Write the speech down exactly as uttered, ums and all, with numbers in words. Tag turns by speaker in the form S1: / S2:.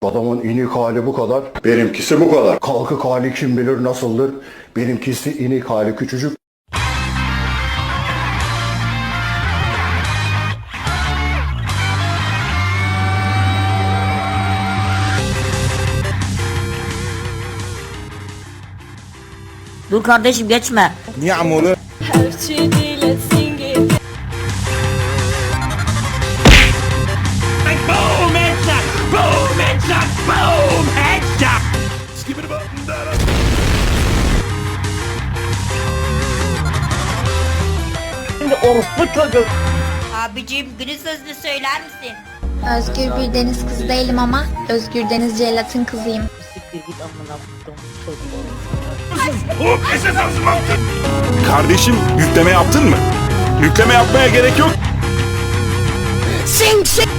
S1: Adamın inik hali bu kadar, benimkisi bu kadar. Kalkık hali kim bilir nasıldır, benimkisi inik hali küçücük.
S2: Dur kardeşim geçme.
S3: Niye amolu?
S4: Boom, headshot! Boom, headshot! Boom, headshot! Skip it up and down.
S2: Şimdi orospu çocuğu. Abicim günün sözünü söyler misin?
S5: Özgür bir deniz kızı değilim ama Özgür Deniz Celat'ın kızıyım.
S2: Siktir git amına koyduğum çocuğu.
S4: Hop, esas alsın baktın.
S3: Kardeşim yükleme yaptın mı? Yükleme yapmaya gerek yok.
S2: Sing sing.